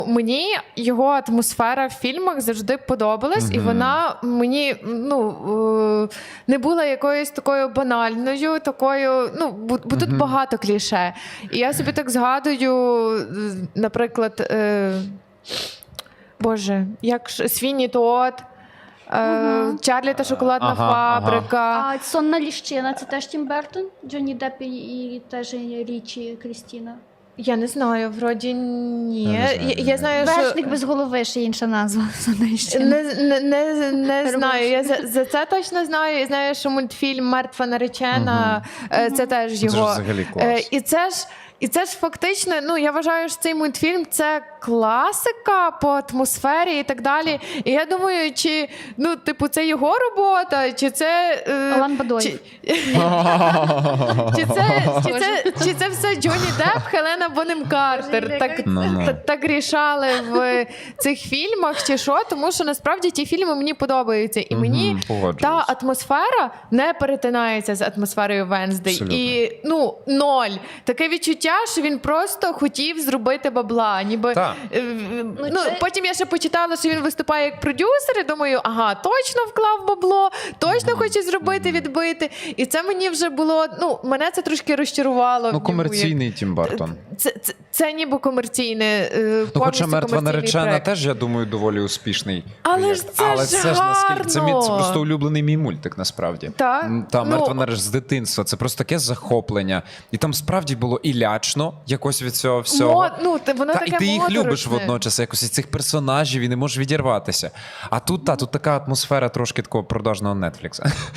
Мені його атмосфера в фільмах завжди подобалась, і вона мені не була якоюсь такою банальною, такою, бо тут багато кліше. І я собі так згадую, наприклад, Боже, як Свінні Тодд, Чарлі та шоколадна фабрика. А «Сонна ліщина» – це теж Тім Бертон? Джонні Депп і теж Річі Крістіна? Я не знаю, вроді ні. Я знаю, що... Вершник без голови, ще інша назва. Не знаю. Я за це точно знаю. Я знаю, що мультфільм «Мертва наречена» це теж його. Це ж взагалі клас. І це ж фактично, я вважаю, що цей мультфільм – це класика по атмосфері і так далі. І я думаю, чи, це його робота, чи це... Алан Бадой. Чи це все Джонні Депп, Хелена Бонем Картер так рішали в цих фільмах, чи що? Тому що насправді ті фільми мені подобаються. І мені та атмосфера не перетинається з атмосферою Венздей. І, ноль. Таке відчуття, що він просто хотів зробити бабла. Ніби, потім я ще почитала, що він виступає як продюсер, і думаю, точно вклав бабло, точно хоче зробити, відбити. І це мені вже було, мене це трошки розчарувало. Комерційний Тім Бертон. Це ніби комерційне, хоча «Мертва наречена» проект. теж, я думаю, доволі успішний. Але ж це ж наскільки це просто улюблений мій мультик, насправді. Так? «Мертва наречена» з дитинства. Це просто таке захоплення. І там справді було і лячно якось від цього всього. Воно таке і ти їх любиш моторошне. водночас, якось із цих персонажів, і не можеш відірватися. А тут така атмосфера трошки такого продажного Нетфлікса.